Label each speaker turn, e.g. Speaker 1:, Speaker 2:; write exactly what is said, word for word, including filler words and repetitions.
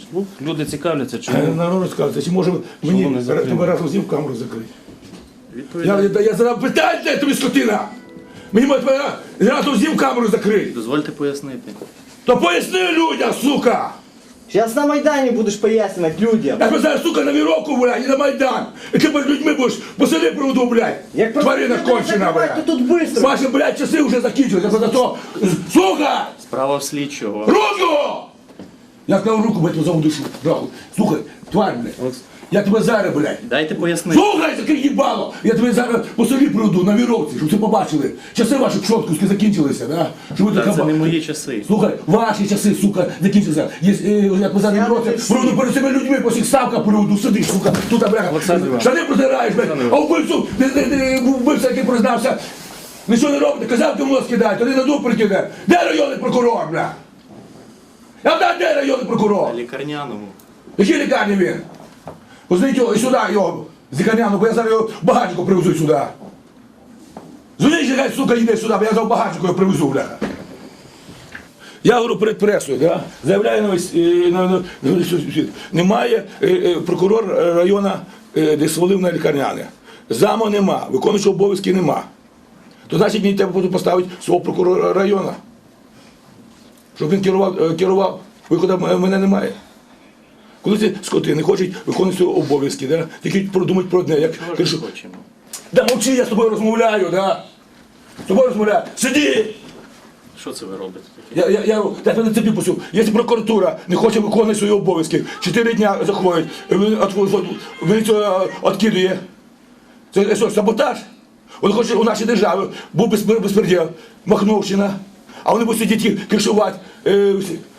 Speaker 1: Ну, люди цікавляться,
Speaker 2: Е,
Speaker 1: чому.
Speaker 2: Народ розказується, чи може мені
Speaker 1: не закрили?
Speaker 2: тебе разом з ним камеру закрити? Я,
Speaker 1: Відповідаю.
Speaker 2: я, я задав питання, де тобі скотина! Мені може тебе разом з ним камеру закрити!
Speaker 1: Дозвольте пояснити.
Speaker 2: То поясни людям, сука!
Speaker 3: Сейчас на Майдане будешь пояснять людям.
Speaker 2: Я тебе зараз, сука, на віровку, блядь, і на Майдан! І ти перед людьми будеш посади проводу, блядь!
Speaker 3: Як
Speaker 2: Тварина
Speaker 3: просто
Speaker 2: кончена,
Speaker 3: закривати
Speaker 2: блядь!
Speaker 3: тут быстро.
Speaker 2: Ваші, блядь, часи вже закінчилися, за то... Сука!
Speaker 1: Справа в слідчого.
Speaker 2: Руку! Я сказав руку, блядь, за душу. Нахуй. Слухай, тварь, блядь. Я тебе зараз, блядь.
Speaker 1: Дайте пояснити.
Speaker 2: Слухай, таке їбало! Я тебе зараз по селі приведу на віровці, щоб ви побачили. Часи ваші пшоткуски закінчилися, да? Щоб ви
Speaker 1: Та
Speaker 2: така
Speaker 1: це не
Speaker 2: ба-
Speaker 1: мої часи.
Speaker 2: Слухай, ваші часи, сука, закінчилися. Є, е, я тебе зараз на віровці, приведу перед цими людьми, по всіх ставках приведу, сидиш, сука, тут, бляха.
Speaker 1: Олександр Іванович.
Speaker 2: Штани протираєш, блядь, а вбивцю, ти, ти, ти, вбивця, який признався, нічого не робите, казав, ти в нос кидай, тоді на дуб прикине. Де районний прокурор, бля? Я знаю, де районний прокурор?
Speaker 1: На лікарняному.
Speaker 2: В якій лікарні він? Позвоніть його і сюди, його, з лікарняну, бо я зараз його в багажнику привезу сюди. Дзвоніть, хай, сука, йде сюди, бо я за в багажнику його привезу, бляха. Я говорю перед пресою, да? Заявляю на весь, е, на, на, на весь світ. Немає е, е, прокурор району, е, де свалив на лікарняне. Заму нема, виконуючого обов'язки нема. То значить мені треба буде поставити свого прокурора району. Щоб він керував, е, керував. Виходу в мене немає. Коли ці скоти не хочуть виконувати свої обов'язки, да? Тільки продумають про одне, як
Speaker 1: Чого ж
Speaker 2: ти
Speaker 1: ми
Speaker 2: що-
Speaker 1: хочемо?
Speaker 2: Да мовчи, я з тобою розмовляю, да? З тобою розмовляю. Сиди!
Speaker 1: Що це ви робите таке?
Speaker 2: Я, я, я, я тебе на цепі пустив. Якщо прокуратура не хоче виконувати свої обов'язки, чотири дня заходить, міліцію відкидує. Це що, саботаж? Вони хочуть у нашій державі, був безпреділ, Махновщина, а вони будуть сидіти кришувати. Е,